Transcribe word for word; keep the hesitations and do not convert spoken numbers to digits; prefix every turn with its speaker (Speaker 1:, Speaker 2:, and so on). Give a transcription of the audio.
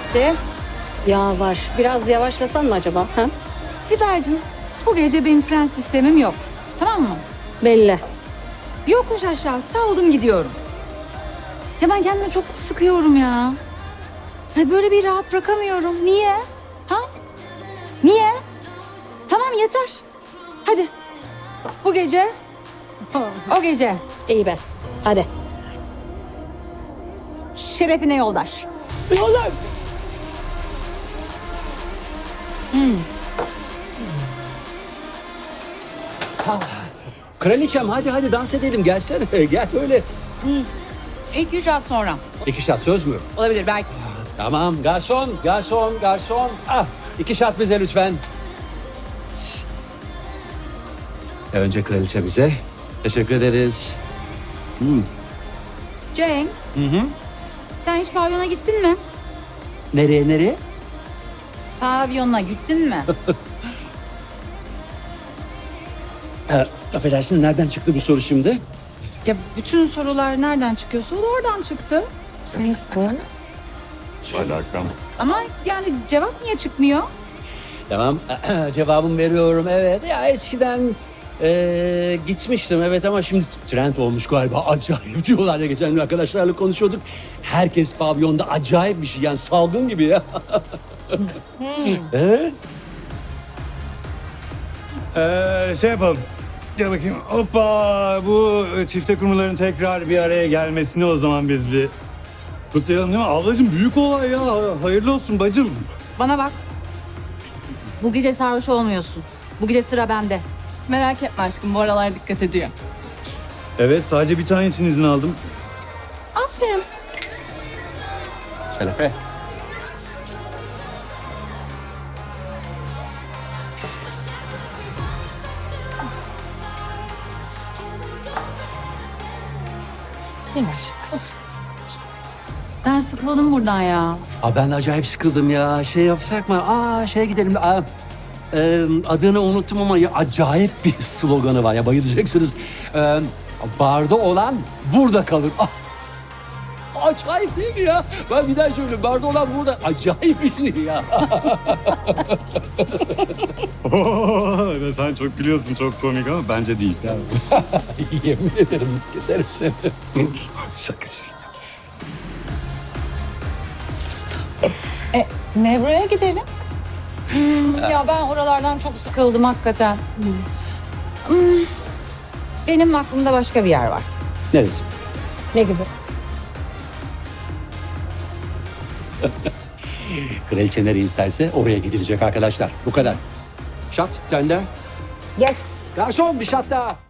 Speaker 1: Mersi. Yavaş. Biraz yavaşlasan mı acaba? Ha?
Speaker 2: Sibel'cim, bu gece benim fren sistemim yok. Tamam mı?
Speaker 1: Belli.
Speaker 2: Yokuş aşağı saldım gidiyorum. Ya ben kendimi çok sıkıyorum ya. Ya böyle bir rahat bırakamıyorum. Niye? Ha? Niye? Tamam yeter. Hadi. Bu gece, o gece
Speaker 1: İyi be. Hadi.
Speaker 2: şerefine yoldaş.
Speaker 1: Yollar.
Speaker 3: Kraliçem hadi hadi dans edelim gelsene. Gel böyle.
Speaker 2: İlk üç at sonra.
Speaker 3: İki şat söz mü?
Speaker 2: Olabilir belki.
Speaker 3: Tamam garson, garson, garson. Ah, iki şat bize lütfen. Önce kraliçe bize. Teşekkür ederiz.
Speaker 2: Cenk. Sen hiç pavyona gittin mi?
Speaker 3: Nereye nereye?
Speaker 2: Pavyona gittin mi?
Speaker 3: Ee, affedersin nereden çıktı bu soru şimdi?
Speaker 2: Ya bütün sorular nereden çıkıyorsa o da oradan çıktı.
Speaker 4: Alakam.
Speaker 2: Ama yani cevap niye çıkmıyor?
Speaker 3: Tamam cevabımı veriyorum evet. Ya eskiden ee, gitmiştim evet ama şimdi trend olmuş galiba. Acayip diyorlar ya, geçen gün arkadaşlarla konuşuyorduk. Herkes pavyonda acayip bir şey yani salgın gibi ya. Evet.
Speaker 4: Ee, şey yapalım. Gel bakayım. Hoppa. Bu çifte kumruların tekrar bir araya gelmesini o zaman biz bir kutlayalım değil mi? Ablacığım büyük olay ya. Hayırlı olsun bacım.
Speaker 2: Bana bak. Bu gece sarhoş olmuyorsun. Bu gece sıra bende.
Speaker 5: Merak etme aşkım, bu aralar dikkat ediyor.
Speaker 4: Evet sadece bir tane için izin aldım.
Speaker 2: Aferin.
Speaker 3: Şerefe.
Speaker 2: Yavaş yavaş. Ben sıkıldım buradan ya.
Speaker 3: Aa, ben de acayip sıkıldım ya. Şey yapsak mı? Aa şeye gidelim. Aa, e, adını unuttum ama ya, acayip bir sloganı var ya, bayılacaksınız. E, barda olan burada kalır. Ah, acayip değil mi ya? Ben bir daha söyleyeyim. Barda olan burada. Acayip bir şey ya.
Speaker 4: Ve sen çok gülüyorsun, çok komik ama bence değil.
Speaker 3: Yemin ederim keserim seni.
Speaker 4: Şakacı.
Speaker 2: E, Nevro'ya gidelim. Hmm, ya ben oralardan çok sıkıldım hakikaten. Hmm, benim aklımda başka bir yer var.
Speaker 3: Neresi?
Speaker 1: Ne gibi?
Speaker 3: Kraliçe nereye isterse oraya gidilecek arkadaşlar. Bu kadar. Şat sende.
Speaker 1: Yes.
Speaker 3: Garson bir şat daha.